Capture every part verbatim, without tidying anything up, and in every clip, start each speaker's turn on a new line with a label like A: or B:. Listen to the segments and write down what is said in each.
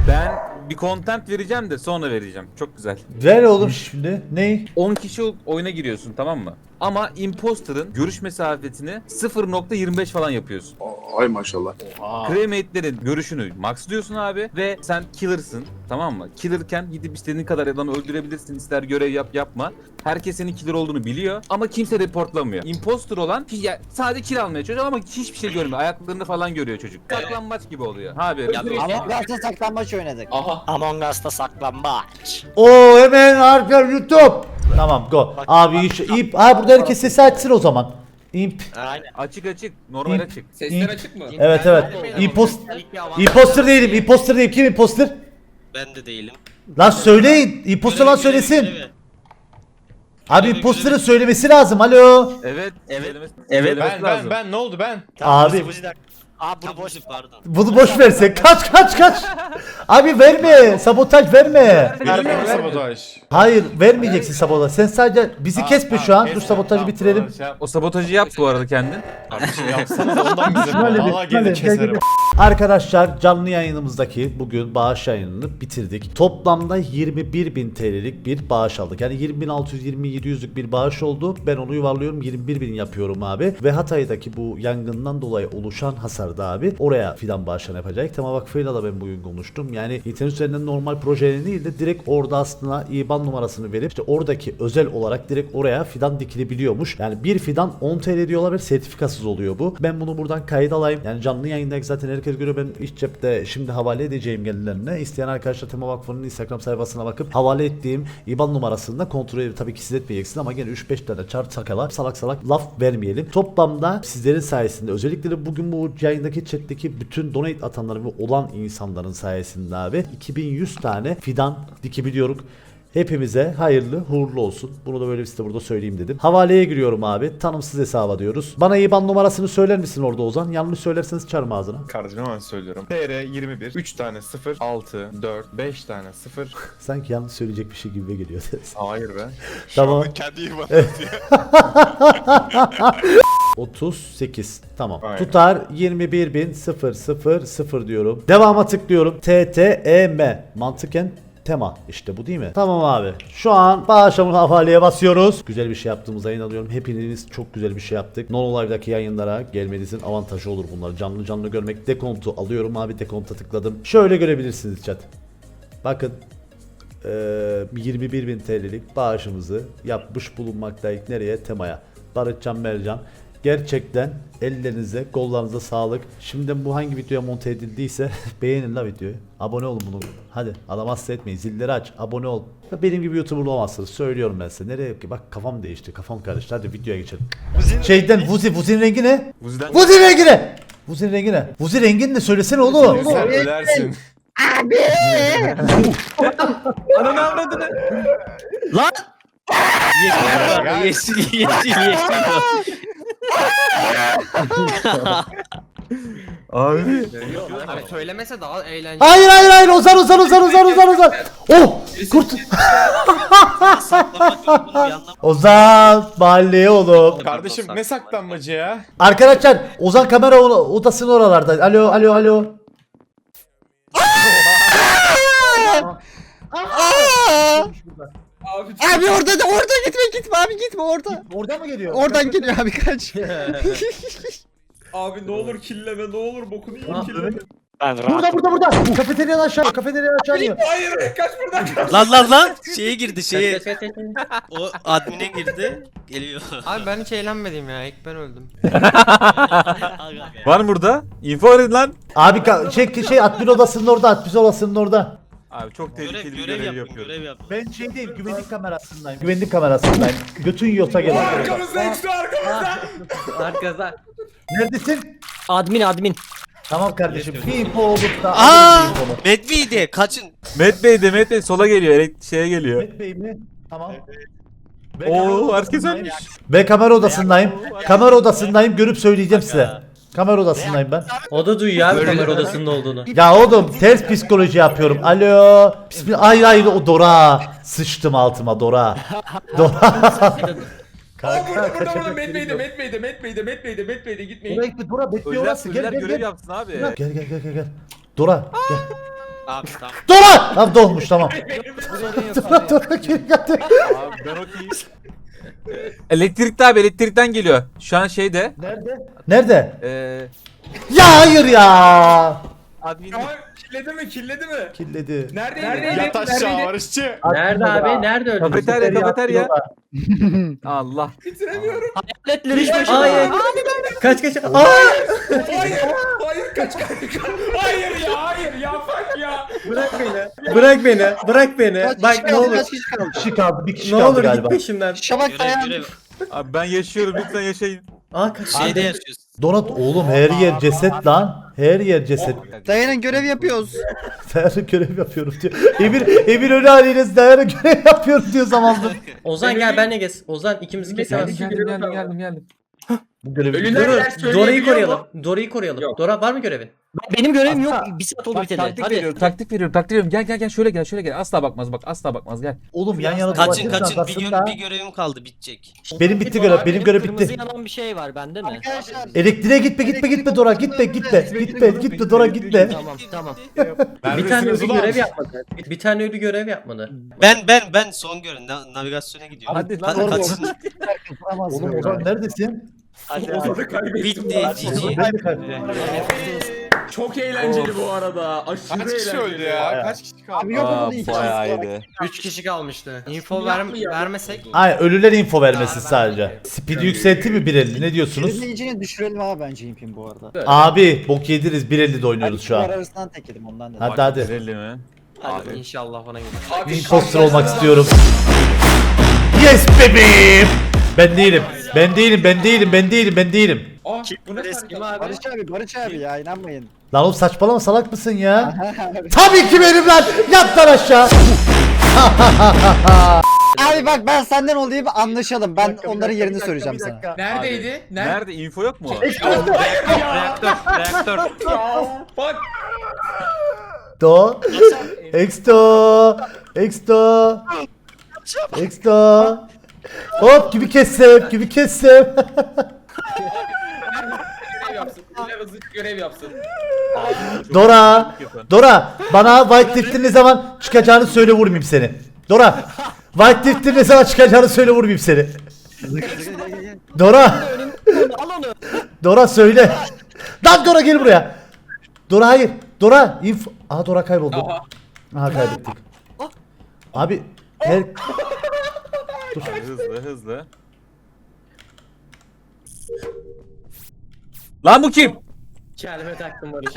A: Ben bir content vereceğim de sonra vereceğim. Çok güzel.
B: Ver oğlum şimdi. Ney?
A: on kişi oyuna giriyorsun, tamam mı? Ama imposter'ın görüş mesafesini sıfır nokta yirmi beş falan yapıyorsun.
C: Ay maşallah.
A: Cremate'lerin görüşünü maxlıyorsun abi ve sen killer'sın, tamam mı? Killer'ken gidip istediğin kadar adamı öldürebilirsin, ister görev yap yapma. Herkes senin killer olduğunu biliyor ama kimse reportlamıyor. Imposter olan ya, sadece kill almaya çalışıyor ama hiçbir şey görmüyor. Ayaklarını falan görüyor çocuk. Saklanmaç gibi oluyor. Abi.
D: Among Us'ta saklambaç oynadık.
C: Aha.
E: Among Us'ta saklambaç.
B: Oo hemen arka YouTube. Tamam go. Abi iş ip. Ha burada herkes sesi açsın o zaman. İmp.
E: Aynen.
A: Açık açık, normal
B: İmp.
A: açık.
C: Sesler açık mı?
B: Evet evet. İmpost imposter değilim. Imposter değilim. Kim imposter?
E: Ben de değilim.
B: Lan söyleyin. Imposter lan söylesin.
E: Görevi.
B: Abi imposter'ın söylemesi lazım. Alo.
A: Evet.
E: Evet.
A: söylemesi-
F: Evet
A: söylemesi
F: ben
A: lazım.
F: ben ben ne oldu ben?
E: Tamam,
B: Abi.
E: Buzi, Buzi de- Aa bunu boş pardon.
B: Bunu boş versek. Kaç kaç kaç. Abi verme. Sabotaj verme.
F: Vermiyor mu sabotaj?
B: Hayır vermeyeceksin sabotaj. Sen sadece bizi
F: Aa,
B: kesme
F: tamam,
B: şu an.
F: kesme.
B: Dur sabotajı
F: Tamam,
B: bitirelim.
F: doğru, şey yap-
A: O sabotajı yap bu arada kendin.
F: Kardeşim yapsanız ondan bize.
B: Halledin,
F: Valla gelir
B: halledin,
F: keserim.
B: halledin. Arkadaşlar canlı yayınımızdaki bugün bağış yayınını bitirdik. Toplamda yirmi bir bin T L'lik bir bağış aldık. Yani yirmi bin altı yüz yirmi yedi yüzlük bir bağış oldu. Ben onu yuvarlıyorum yirmi bir bin yapıyorum abi. Ve Hatay'daki bu yangından dolayı oluşan hasarda abi oraya fidan bağışlarını yapacak. Tema Vakfı'yla da ben bugün konuştum. Yani internet üzerinden normal projeleri değil de direkt orada aslında İ B A N numarasını verip işte oradaki özel olarak direkt oraya fidan dikilebiliyormuş. Yani bir fidan on T L diyorlar ve sertifikasız oluyor bu. Ben bunu buradan kayıt alayım. Yani canlı yayındaki zaten herkes görüyor. Ben iç cepte şimdi havale edeceğim kendilerine. İsteyen arkadaşlar Tema Vakfı'nın Instagram sayfasına bakıp havale ettiğim İ B A N numarasını da kontrol edip tabii ki siz etmeyeceksiniz ama gene üç beş tane çar sakala salak salak laf vermeyelim. Toplamda sizlerin sayesinde özellikle de bugün bu yayındaki chatteki bütün donate atanların ve olan insanların sayesinde abi iki bin yüz tane fidan dikebiliyoruz. Hepimize hayırlı uğurlu olsun. Bunu da böyle size burada söyleyeyim dedim. Havaleye giriyorum abi. Tanımsız hesaba diyoruz. Bana İ B A N numarasını söyler misin orada Ozan? Yanlış söylerseniz çarım ağzına.
F: Kardeşim hemen söylüyorum. T R yirmi bir, üç tane sıfır, altı, dört, beş tane sıfır.
B: Sanki yanlış söyleyecek bir şey gibi geliyor.
F: Hayır be.
B: Tamam.
E: Kendi yuvanı
B: otuz sekiz. Tamam.
F: Aynen.
B: Tutar yirmi bir bin sıfır sıfır sıfır diyorum. Devama tıklıyorum. T T E M. Mantıken tema. İşte bu değil mi? Tamam abi. Şu an bağışlamın havaleye basıyoruz. Güzel bir şey yaptığımıza inanıyorum. Hepiniz çok güzel bir şey yaptık. Non Live'daki yayınlara gelmenizin avantajı olur bunları. Canlı canlı görmek. Dekontu alıyorum abi. Dekonta tıkladım. Şöyle görebilirsiniz chat. Bakın. Ee, yirmi bir bin T L'lik bağışımızı yapmış bulunmaktayız. Nereye? Temaya. Barışcan Mercan. Gerçekten ellerinize, kollarınıza sağlık. Şimdi bu hangi videoya monte edildiyse beğenin la videoyu. Abone olun bunu. Hadi adam hasta etmeyin. Zilleri aç. Abone ol. Benim gibi YouTuber olamazsınız. Söylüyorum ben size. Nereye ki? Bak kafam değişti. Kafam karıştı. Hadi videoya geçelim. Şeyden Vuzi. Vuzi'nin rengi ne?
A: Vuzi'den
B: Vuzi rengi ne? Vuzi'nin rengi ne? Vuzi rengini de söylesene oğlum.
F: Sen ölersin.
A: Ananı avradını.
E: Lan! Yeşil yeşil yeşil yeşil.
A: Abi.
G: Abi söylemese daha eğlenceli.
B: Hayır hayır hayır Ozan Ozan Ozan Ozan Ozan Ozan. Oh! Kurt.
E: Saklanmak yok bunu bir yandan.
B: Ozan mahalleye oğlum.
F: Kardeşim ne saklanmacı ya?
B: Arkadaşlar Ozan kamera o- odasının oralarda. Alo alo alo.
D: Abi orada da orada gitme gitme abi gitme orada.
B: Oradan mı geliyor?
D: Oradan geliyor abi kaç.
C: Abi ne olur killeme ne olur bokunu yiyeyim killeme.
E: Ben
B: Burada
E: rahat.
B: burada burada. Kafeteryadan aşağı. Kafeteryadan aşağı iniyor.
C: Hayır kaç buradan kaç.
E: Lan lan lan! Şeye girdi şeye. O admine girdi. Geliyor.
G: Abi ben hiç eğlenmedim ya. İlk ben öldüm.
A: Var mı burada? Info verin lan.
B: Abi ka- şey şey admin odasının orada. Admin odasının orada.
A: Abi çok
E: Görev,
A: tehlikeli bir
E: görev
A: görev
E: yapın,
A: yapıyorum.
E: görev yapın.
B: Ben şey değil güvenlik kamerasındayım. Güvenlik kamerasındayım. Götün yota gel.
C: Arkamızda işte arkamızda.
G: Arkadaşlar.
B: Neredesin?
H: Admin admin.
B: Tamam kardeşim. Bir info olup da.
E: Aa!
B: alırım bir infomu.
E: Medvey'de kaçın.
A: Met Bey de Met Bey sola geliyor. Elek şeye geliyor.
B: Mehmet Bey mi? Tamam. Ve kamera
A: Oo herkes
B: odasındayım.
A: ölmüş.
B: Ve kamera odasındayım. Kamera odasındayım. Görüp söyleyeceğim size. Kamera odasındayım ben.
H: O da duyuyor abi kamera odasında olduğunu.
B: Ya oğlum ters psikoloji yapıyorum. Alo. Bismillah. Hayır hayır o Dora. Sıçtım altıma Dora. Dora.
C: Aa burada burada burada Met Bey'de Met Bey'de Met Bey'de Met Bey'de Met Bey'de gitmeyin.
B: Dora gitme Dora bekliyor
A: Ölüler,
B: orası. Gel
A: ölüler
B: gel
A: görev
B: gel.
A: yapsın abi.
B: Gel gel gel gel gel. Dora gel.
E: Abi tamam.
B: Dora! Tamam dolmuş tamam. Dora Dora geri geldi.
A: Abi ben okeyim. Elektrikte abi elektrikten geliyor. Şu an şeyde.
B: Nerede? Nerede?
A: Eee...
B: Ya hayır ya.
A: Admin.
C: Tamam killedi mi killedi mi?
B: Killedi.
C: Neredeydi? Neredeydi?
F: Yat aşağı Barışçı.
H: Nerede abi? Nerede öldün?
A: Kafeterya kafeterya. Allah.
C: Bitiremiyorum.
H: Hayır. Kaç kaç. Aa!
C: Hayır. Hayır kaç kaç kaç. Hayır ya hayır ya fuck ya.
H: Bırak beni. Bırak beni. Bırak beni.
D: Kaç
H: Bak
D: kişi
H: ne
D: kaldı,
H: olur.
D: kaç kişi kaldı?
B: Bir kişi kaldı. Bir kişi
H: Ne
B: kaldı
H: olur git
B: galiba.
H: peşimden.
D: Şabak
E: Görev
D: dayan.
E: görev.
A: Abi ben yaşıyorum lütfen yaşayın.
H: Aa kaç.
E: Şeyde yaşıyorsun.
B: Donat oğlum her yer ceset lan. Her yer ceset.
D: Dayanın görev yapıyoruz.
B: Dayanın görev yapıyorum diyor. Emir, Emir öyle haliyle dayanın görev yapıyorum diyor zamanında.
H: Ozan gel benle gez. Ozan ikimizi kesemez.
A: Geldim geldim geldim geldim geldim.
B: Bu görevi
C: Ölüler
H: Dur,
C: yer söyleyebiliyor
H: Dora'yı
C: mu?
H: koruyalım. Dora'yı koruyalım.
C: Yok.
H: Dora var mı görevin?
D: Benim görevim yok. Bir saat oldu
A: Bak,
D: biteli.
A: taktik
D: Hadi.
A: veriyorum taktik veriyorum taktik veriyorum. Gel gel gel şöyle gel şöyle gel. Asla bakmaz bak asla bakmaz gel.
B: Oğlum yan yana
E: Kaçın
B: dolaşırsan
E: kaçın bir, gö
B: aslında-
E: bir görevim kaldı bitecek.
B: Benim bitti görev. Benim görev bitti.
D: yanan bir şey var bende mi? Arkadaşlar.
B: Elektriğe gitme gitme gitme Dora gitme gitme gitme gitme Dora gitme.
D: Tamam tamam.
H: Bir tane ölü görev yapmadı. Bir, bir tane ölü görev yapmadı.
E: Ben ben ben son görev na- navigasyona gidiyorum.
A: Hadi lan,
E: Hadi
A: doğru.
E: kaçın.
B: Oğlum Ozan neredesin?
C: Ozan'ı kaybettim.
E: Bitti Cici.
B: Ben de kaybettim.
C: Çok eğlenceli bu arada. Aşırı
F: Kaç kişi
C: eğlenceli.
F: öldü ya? Kaç kişi kaldı?
D: Abi yok
A: Aa,
D: oldu iki
A: bayağı
D: kişi.
A: iyiydi.
G: üç kişi kalmıştı. Info
C: Şimdi
G: ver
C: yapma ya.
G: vermesek.
B: Hayır ölüler info vermesi sadece. Speed yükseltti mi bir elli ne diyorsunuz?
D: Izleyicini düşürelim abi bence impim bu arada.
B: Abi bok yediriz bir elli de oynuyoruz şu
D: Bunlar
B: an.
D: arasından tek yedim ondan dedim.
B: Hadi hadi.
A: Belli mi?
G: Hadi inşallah bana gelir.
C: Abi,
B: Imposter olmak istiyorum. Yes bebeğim. Ben değilim. Ben değilim ben değilim ben değilim ben değilim.
C: Aa, bu ne
E: Eski
C: fark?
D: Barış abi Barış abi ya inanmayın.
B: Lan oğlum saçmalama salak mısın ya? Tabii ki benim lan. Yat lan aşağı.
D: Abi bak ben senden olayım anlaşalım. Ben onların yerini söyleyeceğim sana.
C: Neredeydi? Nerede?
A: Nerede info yok mu?
G: Reaktör reaktör.
C: Ya, Bak.
B: Do. Exto. Exto. Exto. Hop gibi kessem gibi kessem.
C: Görev yapsın. Diler hızlıca görev yapsın.
B: Dora. Dora bana White Rift'in ne zaman çıkacağını söyle vurmayayım seni. Dora. White Rift'in ne zaman çıkacağını söyle vurmayayım seni. Dora.
D: Al onu.
B: Dora söyle. Lan Dora gel buraya. Dora hayır. Dora inf. Aha Dora kayboldu.
C: Aha.
B: Aha kaybettik. Abi her
A: Hızlı hızlı. Lan bu kim?
G: Kendime taktım Barış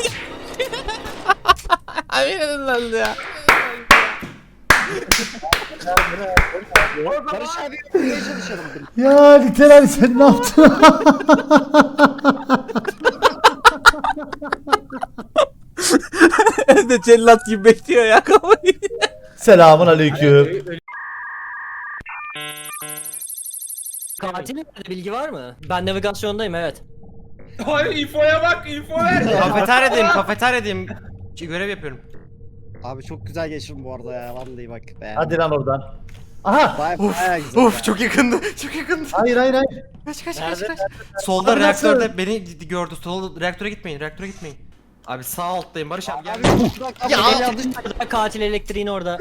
D: Barış abi yapmaya çalışalım.
B: ya literal sen ne yaptın?
A: Evde cellat gibi bekliyor ya kafayı.
B: Selamun aleyküm.
D: Katilin nerede bilgi var mı? Ben navigasyondayım evet.
C: Hayır infoya bak info ver.
G: Kafeteryadayım kafeteryadayım. Görev yapıyorum.
D: Abi çok güzel geçirim bu arada ya vallahi bak beğendim.
B: Hadi lan oradan. Aha.
D: Baya baya güzel.
G: Of çok yakındı. Çok yakındı.
B: Hayır hayır hayır.
G: Kaç kaç kaç
D: Nerede?
G: kaç. Solda
B: Abi nasıl?
G: reaktörde beni gördü. Solda reaktöre gitmeyin. Reaktöre gitmeyin. Abi sağ alttayım Barış abi gel.
D: Ya yanlış katil elektriğin orada.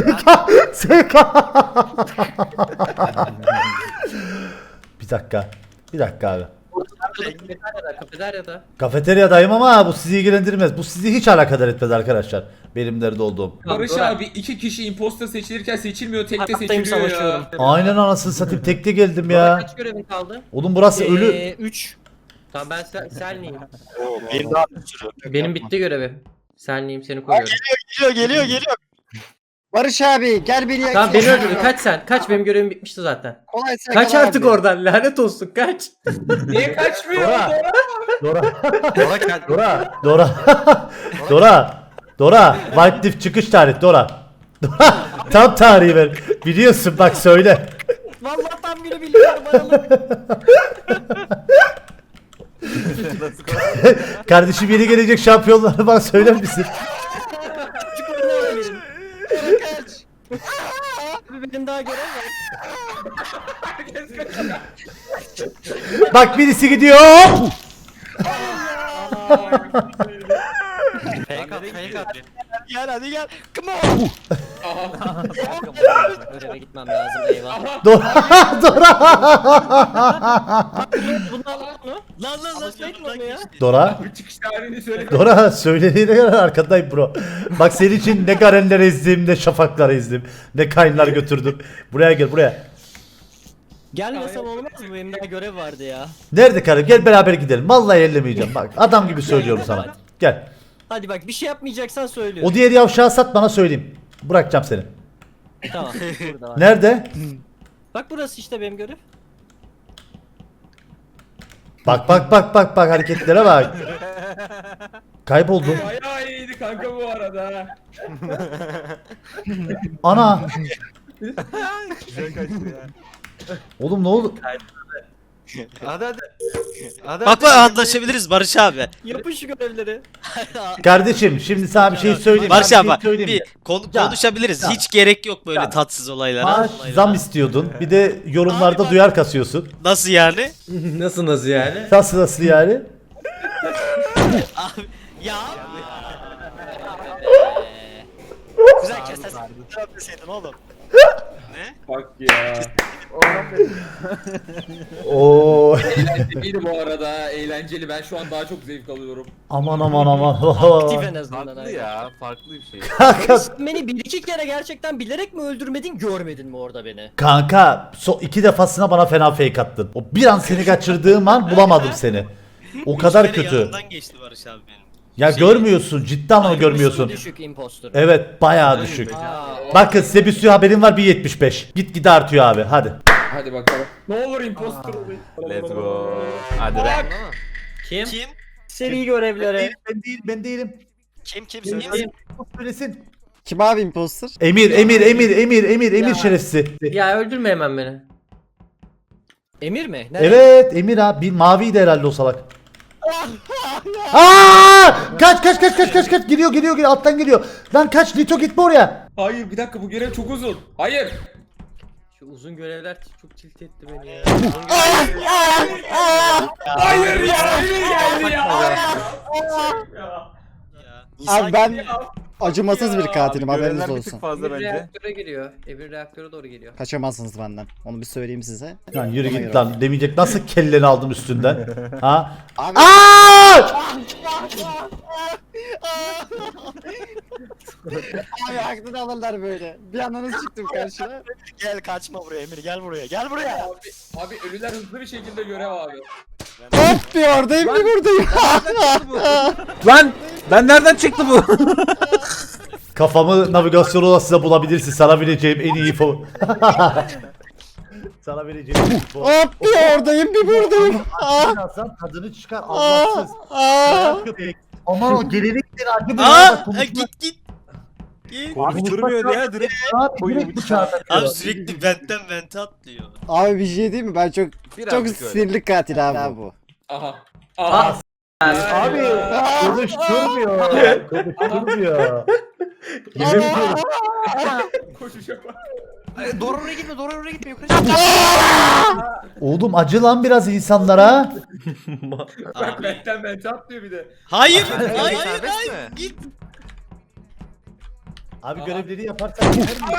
B: Bir dakika. Bir dakika abi.
G: Kafeteryada kafeteryada.
B: Kafeteryadayım ama bu sizi ilgilendirmez. Bu sizi hiç alakadar etmez arkadaşlar. Benim nerede olduğum.
C: Barış
G: Dora.
C: abi iki kişi imposter seçilirken seçilmiyor tek de
D: Hayattayım,
C: seçiliyor
D: savaşıyorum.
C: ya.
B: Aynen anasını satayım tekte geldim
G: Dora
B: ya.
G: kaç görevin kaldı?
B: Oğlum burası ölü.
D: Ee, üç.
G: Tamam ben sen, senliyim.
E: Bir daha
G: Benim bitti görevi. Senliyim seni koruyorum.
E: geliyor geliyor geliyor.
D: Barış abi gel beni yak.
H: Tamam beni öldürdün. Kaç sen. Kaç benim görevim bitmişti zaten.
D: Kolay sen
H: Kaç
D: kal
H: artık
D: abi.
H: oradan. Lanet olsun kaç.
C: Niye kaçmıyor?
B: Dora. Dora.
G: Dora gel.
B: Dora. Dora. Dora. Dora. White Rift çıkış tarih Dora. Dora. Tam tarihi ver. Biliyorsun bak söyle.
D: Vallahi tam günü biliyorum aralık.
B: Kardeşim yeni gelecek şampiyonları bana söyler misin?
D: Çocuklarını öğrenelim. Dora kaç. Abi benim daha görev var.
B: Bak birisi gidiyor.
G: Fake at, fake at.
D: Gel hadi gel. Come on.
C: Aha.
D: Göreve gitmem lazım eyvah.
B: Dora. Dora.
D: Bunu al bunu.
E: Lan lan lan
D: Alışmayın mı onu ya?
B: Dora.
C: Bir çıkış tarihini söyle.
B: Dora söylediğine göre arkandayım bro. Bak senin için ne garenler ezdim, ne şafaklar ezdim, ne kayınlar götürdüm. Buraya gel buraya.
D: Gelmesem olmaz mı? Benim daha görev vardı ya.
B: Nerede karım? Gel beraber gidelim. Vallahi ellemeyeceğim. Bak adam gibi söylüyorum sana. Gel.
D: Hadi bak bir şey yapmayacaksan söylüyorum.
B: O diğer yavşağı sat bana söyleyeyim. Bırakacağım seni.
D: Tamam. Burada var.
B: Nerede?
D: Bak burası işte benim görev.
B: Bak bak bak bak bak hareketlere bak. Kayboldum.
C: Bayağı iyiydi kanka bu arada.
B: Ana. Oğlum ne oldu?
G: Hadi hadi. Hadi
E: Bak bak anlaşabiliriz Barış abi.
D: Yapın şu görevleri.
B: Kardeşim şimdi sana bir şey söyleyeyim.
E: Barış
B: Ben
E: abi
B: bir
E: bak
B: şey söyleyeyim mi?
E: bir konu-
B: Ya,
E: konuşabiliriz.
B: ya.
E: Hiç gerek yok böyle
B: Ya.
E: tatsız olaylara.
B: Maaş
E: olaylara.
B: zam istiyordun. Bir de yorumlarda
E: Abi bak-
B: duyar kasıyorsun.
E: Nasıl yani?
H: Nasıl nasıl yani?
B: Nasıl nasıl yani?
D: Ya. Güzel keses. Deseydin oğlum.
C: Bak ya.
B: Oo.
C: Eğlenceliydi bu arada. Eğlenceli. Ben şu an daha çok zevk alıyorum.
B: Aman aman aman.
D: Aktif en azından.
A: Farklı
D: abi.
A: ya, farklı bir şey.
B: Kanka,
D: Sen beni bir iki kere gerçekten bilerek mi öldürmedin görmedin mi orada beni?
B: kanka so iki defasına bana fena fake attın. O bir an seni kaçırdığım an bulamadım seni. O kadar
E: Üç kere
B: kötü.
E: yanından geçti Barış abi benim.
B: Ya
E: Şey-
B: görmüyorsun cidden onu görmüyorsun.
D: Düşük impostor.
B: Evet bayağı düşük.
D: Aa,
B: Bakın size bir sürü haberim var bir yetmiş beş. Git gide artıyor abi hadi.
C: Hadi bakalım. Ne olur imposter olayım.
A: Let's go. Hadi be.
H: Kim?
E: Kim?
D: seri görevlere.
B: Ben değilim ben değilim.
E: Kim kim
H: Kim?
E: kim?
B: Söylesin.
I: Kim abi imposter?
B: Emir Emir Emir Emir Emir Emir şerefsiz.
H: Ya öldürme hemen beni.
D: Emir mi? Nerede?
B: Evet Emir abi bir maviydi herhalde o salak. Aa! Kaç kaç kaç kaç kaç kaç geliyor geliyor geliyor alttan geliyor. Lan kaç Lito gitme oraya.
C: Hayır bir dakika bu görev çok uzun. Hayır.
H: Şu uzun görevler çok tilt etti beni ya.
C: Hayır ya. Emir geldi ya.
I: Abi ben acımasız bir katilim haberiniz
A: Görevler bir tık
I: olsun.
A: fazla
H: Emir
A: bence.
H: reaktöre giriyor. Emir reaktöre doğru geliyor.
I: Kaçamazsınız benden. Onu bir söyleyeyim size.
B: Lan yürü
I: Ona
B: git
I: göre.
B: lan demeyecek nasıl kelleni aldım üstünden. Ha?
I: Abi
B: Aa!
I: abi aklını alırlar böyle. Bir ananız çıktım karşına.
D: Gel kaçma buraya Emir gel buraya gel buraya.
C: Abi, abi ölüler hızlı bir şekilde görev abi.
I: Hop bir oradayım bir buradayım.
A: Lan ben nereden çıktı bu?
B: Kafamı navigasyon odasında bulabilirsin. Sana vereceğim en iyi info. Sana vereceğim en iyi info.
I: Hop bir oradayım bir buradayım. Aa,
B: Birazdan tadını çıkar Allahsız.
I: aa.
B: Köpek. Aman o gelenektir acı bu
E: Aa,
B: ya.
E: e, git git. Git.
A: Konuşturmuyor ya direkt.
B: Abi direkt bıçağı takıyor.
E: Abi sürekli ventten vente atlıyor.
I: Abi bir şey değil mi? Ben çok
A: Birazcık
I: çok
A: öyle.
I: sinirli katil abi bu.
C: Aha. Aha.
B: Abi konuşturmuyor. Konuşturmuyor. Yemin ediyorum.
C: Koşuşa bak.
G: Doğru oraya gitme, doğru oraya gitme. Yukarı çık.
B: Oğlum acı lan biraz insanlara.
C: Bak
E: Abi.
C: benden bente atlıyor bir de.
E: Hayır, hayır, hayır,
G: serbest
E: hayır.
G: mi?
E: Git.
B: Abi görevleri yaparsan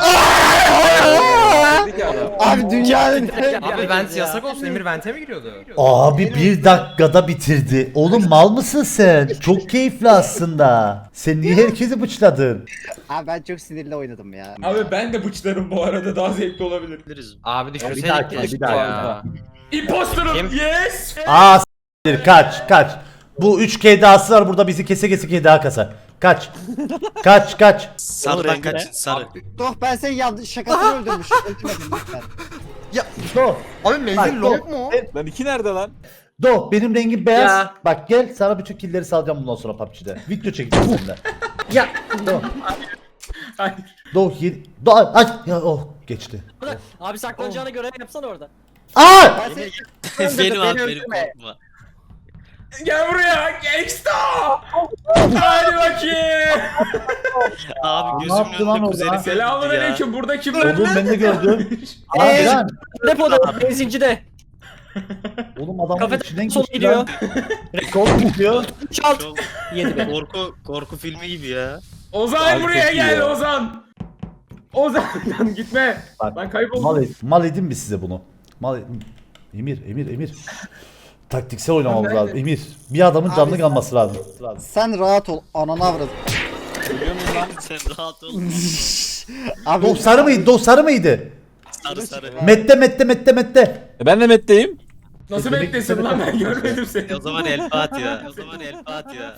A: Dedik adam.
I: Abi dünyanın
G: Abi vent yasak olsun. Emir vente mi giriyordu?
B: Abi bir dakikada bitirdi. Oğlum mal mısın sen? Çok keyifli aslında. Sen niye herkesi bıçladın?
I: Abi ben çok sinirli oynadım ya.
C: Abi ben de bıçlarım bu arada daha zevkli olabilir.
G: Abi
B: Bir daha,
G: düşünseydik
B: bir
G: keşke
B: daha,
G: ya.
C: Imposter'ım
G: Kim?
C: yes.
B: Aa s**tir kaç kaç. Bu üç K dahası var burada bizi kese kese K daha kasar. Kaç. Kaç kaç.
E: Sarıdan kaçın sarı.
I: Doh ben senin yanlış şakasını öldürmüşüm. Öldürmedim lütfen.
B: Do.
I: Abi menzil long mu?
A: Lan iki nerede lan?
B: Do benim rengim beyaz.
H: Ya.
B: Bak gel sana bütün killleri salacağım bundan sonra P U B G'de. Video çekeceğim senden.
H: Ya.
B: Do.
C: Hayır.
B: Do yedi. Do ay ya oh geçti.
D: Abi saklanacağına görev yapsana orada.
B: Aa!
E: benim abi benim korkma.
C: Gel buraya. Gangsta. Hadi bakayım.
E: Abi
B: Ne
E: gözümün
B: yaptı lan
E: önünde
B: o
E: kuzeni
B: lan?
E: öldürdü
C: Selamun
E: ya.
C: aleyküm. Burada kim var?
B: Oğlum ben de gördüm. Abi
D: Eee
B: lan.
D: depoda benzincide.
B: Oğlum adamın
D: Kafede
B: içinden
D: sol
B: geçti
D: gidiyor.
B: lan. Sol gidiyor.
D: üç alt.
E: Çok
D: yedi be.
E: korku korku filmi gibi ya.
C: Ozan
A: Abi
C: buraya
A: çok iyi
C: gel
A: ya.
C: Ozan. Ozan lan gitme.
B: Bak,
C: Ben kayboldum.
B: Mal, mal edin mi size bunu? Mal Emir, Emir, Emir. Taktiksel oynamamız
C: Ben
B: lazım. Emir, bir adamın
I: Abi
B: canlı
I: sen-
B: kalması lazım.
I: Sen rahat ol. Ananı avradım.
E: Sen rahat ol.
I: Abi
B: Do sarı mıydı? Do sarı mıydı?
E: Sarı sarı.
B: Mette, mette, mette, mette.
A: E ben de Met'teyim.
C: Nasıl
B: Demek
C: beklesin
B: ki-
C: lan ben görmedim seni.
E: E o zaman El Fatiha. O zaman El Fatiha.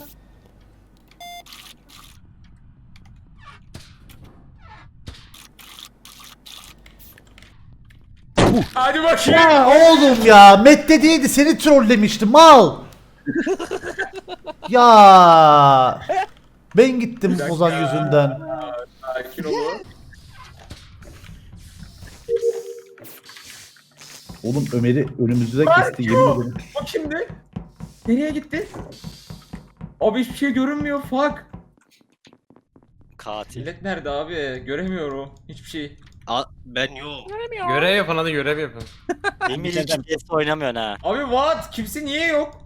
C: Hadi bakayım.
B: Ya oğlum ya, Mette değildi, seni trollemiştim mal. Ya ben gittim Ozan yüzünden.
C: Sakin ol.
B: Oğlum Ömer'i önümüzde kesti yemin ederim.
C: O kimdi? Nereye gitti? Abi hiçbir şey görünmüyor. Fuck.
E: Katil.
C: Millet nerede abi? Göremiyorum. Hiçbir şey.
E: A ben yok.
G: Görev yapın hadi görev yapın.
H: Emir hiç P S oynamıyorsun ha.
C: Abi what? Kimse niye yok?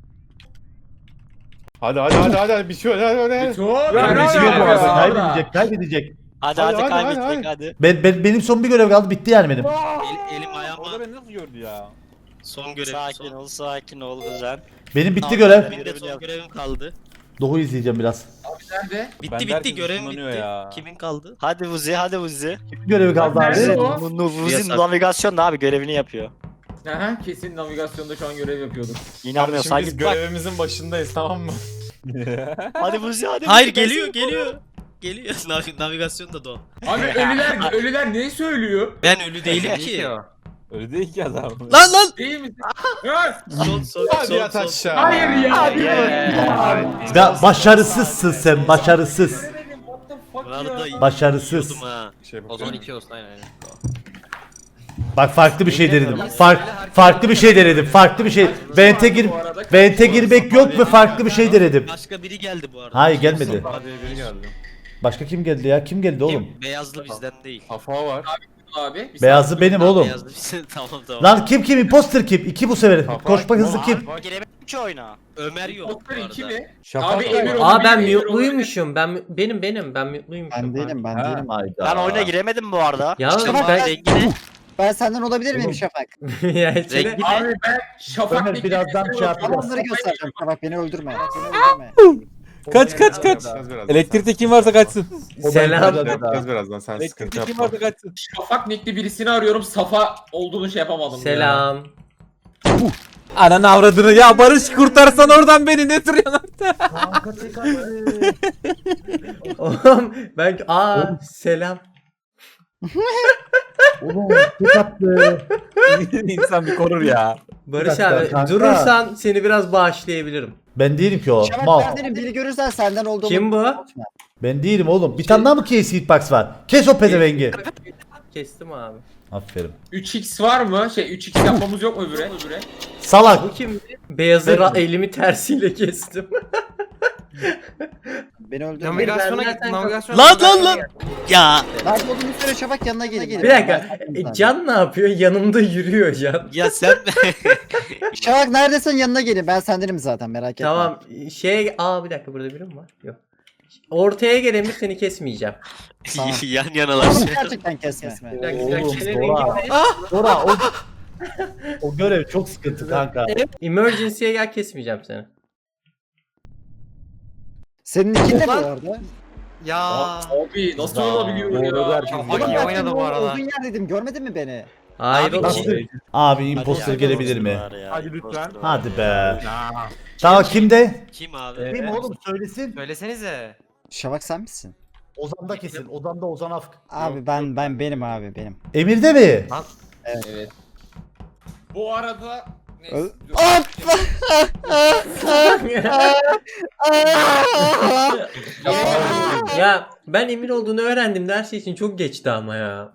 F: Hadi hadi hadi hadi, hadi bir şey hadi hadi. hadi.
C: Beto.
B: Kaybedecek
C: Nerede
B: bu arada,
C: ya?
B: kaybedecek, kaybedecek.
H: Hadi
F: Hadi,
H: hadi,
F: hadi,
H: kaybedecek
F: hadi,
H: hadi.
B: Ben, ben, benim son bir görev kaldı, bitti yani benim.
E: El, elim ayağıma.
A: beni nasıl gördü ya?
E: Son görevim.
H: Sakin
E: son.
H: ol sakin ol Özen.
B: Benim bitti
H: Tamam,
B: görev.
E: Benim de son görevim kaldı.
B: Doğu izleyeceğim biraz.
C: Nerede?
E: Bitti
A: Ben de
E: bitti
A: herkes
E: görevim
A: ısınlanıyor
E: bitti.
A: ya.
E: Kimin kaldı?
H: Hadi Vuzi hadi Vuzi.
B: Kimin görevi kaldı
C: Nerede
B: abi?
C: o?
H: Nu- Nu- Vuzi
E: Yasak.
H: navigasyon da abi görevini yapıyor.
C: Aha, kesin navigasyonda şu an görev yapıyorduk.
H: İnanmıyor
F: Kardeşim biz
H: sanki bak.
F: görevimizin başındayız, tamam mı?
H: Hadi Vuzi hadi.
E: Hayır
H: Vuzi,
E: geliyor
H: ben-
E: geliyor. Geliyor. Nav- navigasyon da do.
C: Abi ölüler, ölüler ne söylüyor?
E: Ben ölü değilim ki.
A: Öyle değil ki adam.
E: Lan lan.
C: Değil misin? Ha?
E: Son son
F: Hadi
E: son
F: yat
E: son.
F: aşağı.
C: Hayır ya.
B: Ya başarısızsın sen, başarısız.
C: What the fuck
E: Bu arada
C: ya?
B: Başarısız.
E: yiyordum ha.
F: Şey
G: O zaman
F: bakıyorum.
G: iki olsun aynen aynen.
B: Bak farklı bir şey denedim. Fark, farklı bir şey denedim. Farklı bir şey. Vente gir, vente girmek yok ve farklı bir şey denedim.
E: Başka biri geldi bu arada.
B: Hayır gelmedi.
F: Hadi biri geldi.
B: Başka kim geldi ya? Kim geldi oğlum?
E: Kim? Beyazlı bizden değil.
F: Hafa var.
C: Abi. bir
B: Beyazlı
C: saniye.
B: benim oğlum.
E: Beyazlı bizden tamam tamam.
B: Lan kim kim? Imposter kim? İki bu sefer.
F: Hafa-
B: Koşma hızlı kim?
H: Giremedim ki oyuna.
E: Ömer yok bu
C: Doktor iki
E: arada.
C: mi?
A: Şafak
C: Abi
A: var.
C: Emir onu
D: Aa ben
C: biliyor, Emir onu
D: mute'luymuşum. Ben benim benim ben mute'luymuşum.
I: ben değilim ben
A: Ha.
I: değilim.
H: Ben oyuna giremedim bu arada.
D: Ya
H: İşte
D: ben-
H: ben rengini
I: Ben senden olabilir miyim Şafak?
D: ya içine-
E: Rengi
C: Abi ben Şafak
B: Ömer,
C: Bekir'e
B: birazdan
C: bir
B: şey
C: bakıyorum.
B: yapacağız.
I: Onları göstereceğim Şafak beni öldürme. Beni öldürme.
A: Kaç kaç kaç.
F: Yapacağız birazdan.
A: Elektrikte kim varsa kaçsın.
B: Selam.
F: Yapacağız birazdan, sen sıkıntı
A: Elektrikte kim
F: yapma.
A: varsa kaçsın.
C: Şafak nickli birisini arıyorum. Safa olduğunu şey yapamadım. ya.
D: Selam.
A: Ananı avradını ya Barış kurtarsan oradan beni ne duruyorsun orada?
D: Oğlum ben aa selam.
B: Oğlum çok attı.
A: İnsan bir korur ya.
D: Barış
B: dakika,
D: abi
B: kanka.
D: durursan seni biraz bağışlayabilirim.
B: Ben değilim ki o.
I: Şafak
B: Mal.
I: ben değilim biri görürsen senden olduğumu.
D: Kim bu?
I: unutma.
B: Ben değilim oğlum. Bir tane daha mı case hitbox var? Kes o pezevengi.
D: Kestim abi.
B: Aferin.
C: üç x var mı? Şey üç x yapmamız yok mu öbüre? Öbüre.
B: Salak.
D: Bu kim? Beyazı ra- elimi tersiyle kestim.
I: Beni öldürme.
G: Navigasyona
D: ben
G: git
D: zaten-
G: navigasyona.
E: Lan lan lan. Ya
I: Nerede olduğunu söyle Şafak yanına gelin.
D: Bir dakika. E, Can ne yapıyor? Yanımda yürüyor Can.
E: ya sen
I: Şafak neredesin yanına gelin. Ben sendenim zaten merak etme.
D: Tamam. Şey aa bir dakika burada biri mi var? Yok. Ortaya gel Emir seni kesmeyeceğim.
I: Tamam.
E: yan yanalar.
I: Oğlum gerçekten kesme.
D: Bir dakika, bir dakika.
B: Oğlum,
D: Senin
B: Dora.
D: rengin ne?
B: Dora o, o görev çok sıkıntı kanka.
D: Emergency'ye gel kesmeyeceğim seni.
I: Senin ikin de bu arada.
G: Ya.
C: Abi nasıl
B: Aa,
C: olabiliyor
A: doğru
C: ya?
A: derken
C: Şafak
G: Bak
I: Ama
G: iyi
I: ben
G: oynadı
I: senin
G: bu
I: o
G: arada.
I: Uzun yer dedim görmedin mi beni?
D: Hayır
E: Abi,
D: oğlum.
E: kim?
B: Abi imposter gelebilir mi?
F: Hadi lütfen.
B: Hadi be. Tamam kimde?
E: Kim abi?
B: Kim oğlum söylesin.
G: Söylesenize.
I: Şafak sen misin?
B: Ozan'da kesin. Ozan'da Ozan Afk.
I: Abi ben ben benim abi benim.
B: Emir'de mi?
C: Evet. Bu arada neyse,
I: Ö-
C: dur.
D: Ya ben Emir olduğunu öğrendim de her şey için çok geçti ama ya.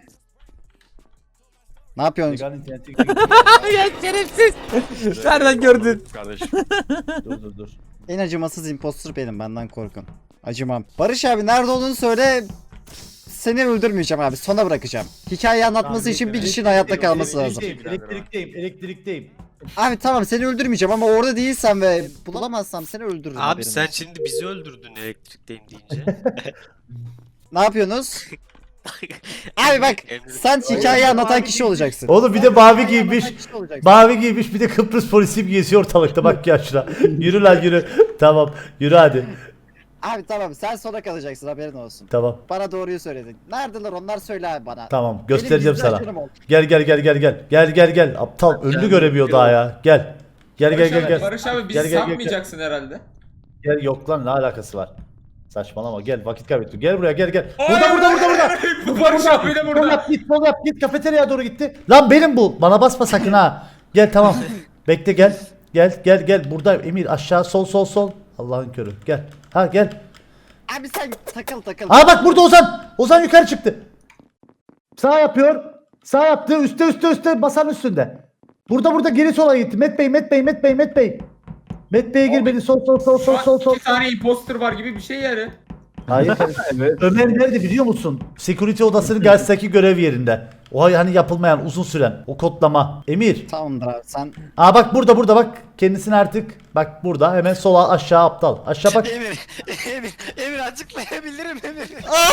I: Ne yapıyorsun?
B: Vegan interneti-
A: Ya şerefsiz. Nereden gördün?
F: Kardeşim.
B: dur dur dur.
I: En acımasız imposter benim benden korkun. Acımam. Barış abi nerede olduğunu söyle. seni öldürmeyeceğim abi. Sona bırakacağım. Hikayeyi anlatması için bir kişinin hayatta kalması lazım.
B: Elektrikteyim, elektrikteyim.
I: Abi tamam seni öldürmeyeceğim ama orada değilsem ve bulamazsam seni öldürürüm.
E: Abi
I: haberin
E: sen
I: olsun.
E: şimdi bizi öldürdün elektrikteyim deyince.
I: Ne yapıyorsunuz? Abi bak sen hikayeyi anlatan kişi olacaksın.
B: Oğlum bir de mavi
I: Hikayeyi
B: giymiş.
I: anlatan kişi olacaksın.
B: Mavi giymiş bir de Kıbrıs polisi geziyor ortalıkta bak ya şuna. Yürü lan yürü. Tamam yürü hadi.
I: Abi tamam sen sona kalacaksın haberin olsun.
B: Tamam
I: Bana doğruyu söyledin. Neredeler onlar söyle abi bana.
B: tamam
I: Benim
B: göstereceğim
I: gizli
B: sana.
I: ajanım ol.
B: Gel gel gel gel gel. Gel gel gel. Aptal önünü göremiyor daha ya. Gel. Gel gel gel gel.
C: Barış abi bizi
B: Gel, gel, gel, gel.
C: satmayacaksın herhalde.
B: Gel yok lan ne alakası var? Saçmalama gel vakit kaybettim. Gel buraya gel gel. Burada burada burada burada. Burada
C: Barış
B: burada.
C: abi de
B: Sol
C: burada.
B: yap git sol yap git kafeteryaya doğru gitti. Lan benim bu. Bana basma sakın ha. Gel tamam. Bekle gel. Gel gel gel. Burada Emir aşağı sol sol sol. Allah'ın körü. Gel. Ha gel.
I: Abi sen takıl takıl.
B: Aa bak burada Ozan. Ozan yukarı çıktı. Sağ yapıyor. Sağ yaptı. Üste üste üste masanın üstünde. Burada burada geri sola gitti. Met Bey, Met Bey, Met Bey, Met Bey. Met Bey'e gir beni. Sol sol sol sol sol sol.
C: İki tane imposter var gibi bir şey yani.
B: Hayır. Ömer nerede biliyor musun? Security odasının karşısındaki görev yerinde. O hani yapılmayan uzun süren o kodlama. Emir.
I: Tamamdır abi sen.
B: Aa bak burada burada bak. Kendisini artık bak burada hemen sola aşağı aptal. Aşağı bak.
D: Emir, Emir, Emir açıklayabilirim Emir.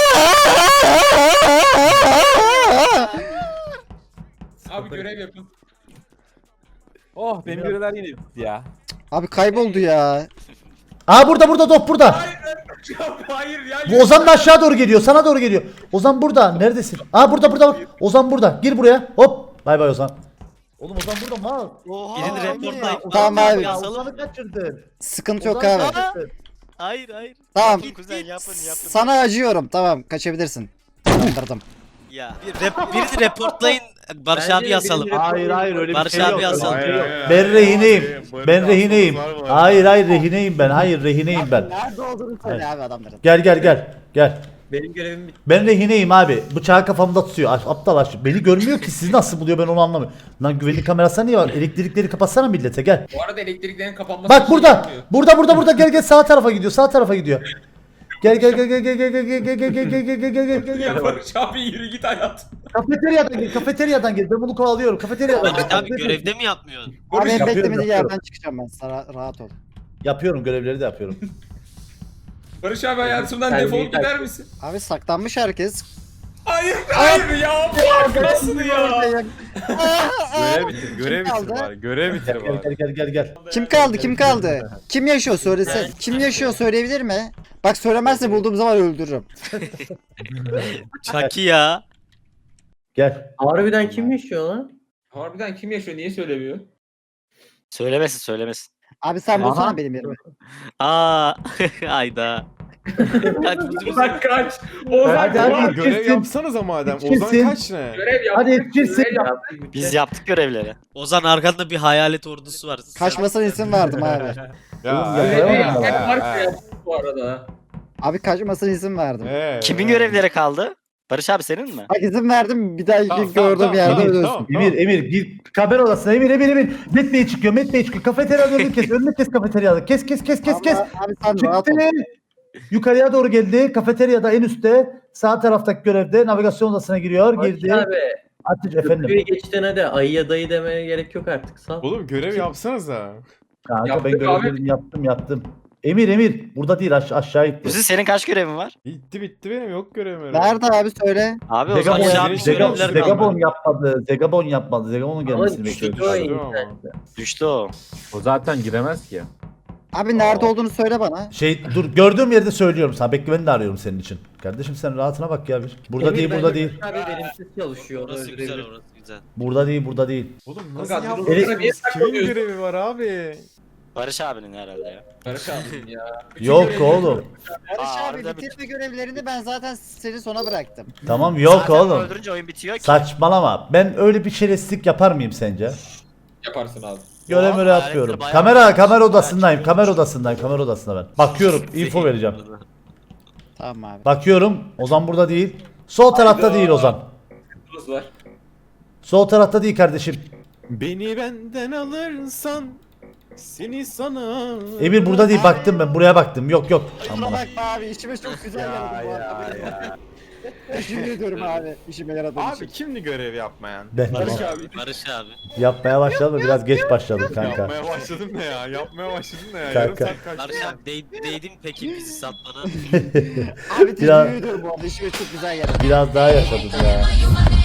C: Abi görev yapın.
A: Oh benim görevler yine bitti ya.
I: Abi kayboldu ya.
B: Aa burada burada Dof burada.
C: Hayır ya.
B: Bu Ozan da aşağı doğru geliyor. Sana doğru geliyor. Ozan burada. Neredesin? Aa burada burada bak. Ozan burada. Gir buraya. Hop. Bay bay Ozan. Oğlum Ozan burada mal.
D: Oha.
E: Birini reportlayın.
I: Tamam abi.
B: Ya Ozan'ı kaçırdın.
I: Sıkıntı yok
B: Ozan'ı
I: abi.
B: kaçırdın.
E: Hayır hayır.
I: Tamam.
D: Yapın kuzen yapın yapın.
I: Sana acıyorum. Tamam kaçabilirsin. Kandırdım.
E: Ya bir rep, birini reportlayın Barış abi yasalım.
B: Hayır hayır öyle bir
E: Barış
B: şey
E: abi
B: yok.
E: yazalım.
B: Öyle bir şey yok.
F: Hayır,
B: Ben
F: hayır,
B: rehineyim.
F: hayır.
B: Ben rehineyim.
F: Var mı?
B: Hayır hayır rehineyim ben. Hayır rehineyim ben.
I: Nerede olduğunu söyle abi adamların.
B: Gel gel gel. Gel.
H: Benim görevim bitti.
B: Ben rehineyim abi. Bıçağı kafamda tutuyor. Aş- Aptal aç. Beni görmüyor ki. Sizi nasıl buluyor ben onu anlamıyorum. Lan güvenlik kamerası niye var? Elektrikleri kapatsana millete gel.
C: Bu arada elektriklerin kapanması
B: Bak
C: bir şey
B: burada.
C: yapmıyor.
B: Burada burada burada gel gel sağ tarafa gidiyor. Sağ tarafa gidiyor. Gel gel gel gel gel gel gel gel gel gel gel gel gel gel gel gel.
C: Ya Barış abi yürü git hayat.
B: Kafeteryadan gel. Kafeteryadan gel. Ben bunu kovalıyorum. Kafeteryadan gel.
E: Ahmet abi görevde mi yapmıyorsun?
I: Abi en
B: yapıyorum,
I: beklemediği
B: yapıyorum.
I: yerden çıkacağım ben. Sana rahat ol.
B: Yapıyorum görevleri de yapıyorum.
C: Barış abi hayatımdan
H: Sen
C: defol
H: büyük
C: gider
H: erkek.
C: misin?
I: Abi saklanmış herkes.
C: Hayır hayır ya. Bu nasıl ya?
F: Görev bitir, görev
I: Kim
F: bitir
I: kaldı?
F: bari, görev bitir
B: Gel
F: bari.
B: gel gel gel gel.
I: Kim kaldı? Kim kaldı? Kim yaşıyor söylese. Kim yaşıyor söyleyebilir mi? Bak söylemezse bulduğum zaman öldürürüm.
E: Çaki ya.
B: Gel.
H: Harbiden kim yaşıyor lan?
C: Harbiden kim yaşıyor niye söylemiyor?
D: Söylemesin söylemesin.
I: Abi sen bulsana
A: Aha.
I: benim yerime.
E: Aa hayda. Hadi bizim-
C: Ozan kaç. Ozan
B: Hadi,
C: kaç.
B: hadi.
F: Görev
B: Yetişirsin.
F: yapsanıza madem.
B: Yetişirsin.
F: Ozan kaç ne?
C: Görev yap.
B: Hadi yetişirsin.
C: Görev yap.
D: Biz yaptık görevleri.
E: Ozan arkanda bir hayalet ordusu var.
I: Kaçmasına izin verdim abi.
F: Ya,
C: Görevi
F: ya,
C: hep
F: ya,
C: Mark
F: ya.
C: yaptı bu arada.
I: Abi kaçmasına izin verdim.
F: Ee,
D: Kimin
F: ee.
D: görevleri kaldı? Barış abi senin mi?
I: Bak izin verdim bir daha
F: Tamam,
I: gördüğüm
F: tamam, tamam,
I: yerde
F: tamam,
I: ölürsün.
F: tamam.
B: Emir Emir gir kamera odasına Emir Emir Emir. Met Bey çıkıyor Met Bey çıkıyor. Kafeteryanın önünü kes. Önünü kes kafeteryada. Kes kes kes kes kes.
I: Ama Abi sen rahat
B: Çıktı.
I: ol.
B: Yukarıya doğru geldi. Kafeteryada en üstte sağ taraftaki görevde navigasyon odasına giriyor. Girdi.
H: Barış abi.
B: Ateş efendim.
H: Köprüyü geçtiğine de ayıya dayı demeye gerek yok artık. Sağ ol.
F: Oğlum görev yapsanıza.
B: Kanka ben
C: Yaptık
B: görevlerimi yaptım yaptım. Emir Emir burada değil aş- aşağı gitti.
D: Kuzi senin kaç görevin var?
F: Bitti bitti benim yok görevim öyle.
I: Nerede abi söyle.
D: Abi o zaman
B: Zegabon,
E: aşağı
D: ya,
E: bir
B: Zegabon,
E: görevler
B: Zegabon
E: kalmadı.
B: yapmadı. Zegabon yapmadı. Zegabon'un gelmesini
H: Ama
B: bekliyoruz.
H: düştü o
F: Düştü ama.
H: internette.
D: düştü o.
A: O zaten giremez ki.
I: Abi nerede olduğunu söyle bana.
B: Şey dur gördüğüm yerde söylüyorum sana. Bekle ben de arıyorum senin için. Kardeşim sen rahatına bak ya bir. Burada
H: Emir
B: değil
H: bence
B: burada değil.
H: Barış Abi verimsiz çalışıyor. onu
E: Orası güzel
H: öldürebilir.
E: orası güzel.
B: Burada değil burada değil.
F: Oğlum
C: Kanka,
F: nasıl
C: dur,
F: yaptınız?
C: dur, niye
F: Kimin
C: saklanıyorsun?
F: görevi var abi?
D: Barış abinin herhalde ya.
C: Barış abi ya. Bütün
B: Yok
C: görevleri-
B: oğlum.
I: Barış
D: Aa,
I: abi
D: harbiden
I: bitirme görevlerini ben zaten seni sona bıraktım.
B: Tamam yok
D: Zaten
B: oğlum.
D: öldürünce oyun bitiyor ki.
B: Saçmalama. Ben öyle bir şerefsizlik yapar mıyım sence?
C: Yaparsın abi.
B: Görev
D: Oha,
B: öyle
D: hayaletleri
B: yapıyorum.
D: bayağı
B: Kamera
D: güzel.
B: kamera odasındayım.
D: Bayağı
B: Kamera
D: çıkıyor.
B: odasındayım. Kamera odasında ben. Bakıyorum. info vereceğim.
I: Tamam abi.
B: Bakıyorum. Ozan burada değil. Sol tarafta değil Ozan.
C: Tuz var.
B: Sol tarafta değil kardeşim.
F: Beni benden alırsan seni sana.
B: Emir burada değil. Baktım ben. Buraya baktım. Yok yok.
I: Kusura
B: Aman.
I: bakma abi işime çok güzel geldi bu arada. Teşekkür ediyorum abi. İşime yaradığın
F: Abi
I: için.
F: kimdi görev yapmayan?
B: Ben
D: Barış
B: de
D: abi. Barış abi.
B: yapmaya başladım da biraz geç başladım kanka.
F: Yapmaya başladın ne ya? Yapmaya başladın ne ya? Yarım
B: Kanka.
F: saat kaçtı
D: Barış
F: ya.
D: abi değ- değdin peki bizi satmana.
I: Abi teşekkür
B: Biraz-
I: ediyorum bu arada. İşime çok güzel geldi.
B: Biraz daha yaşadım ya.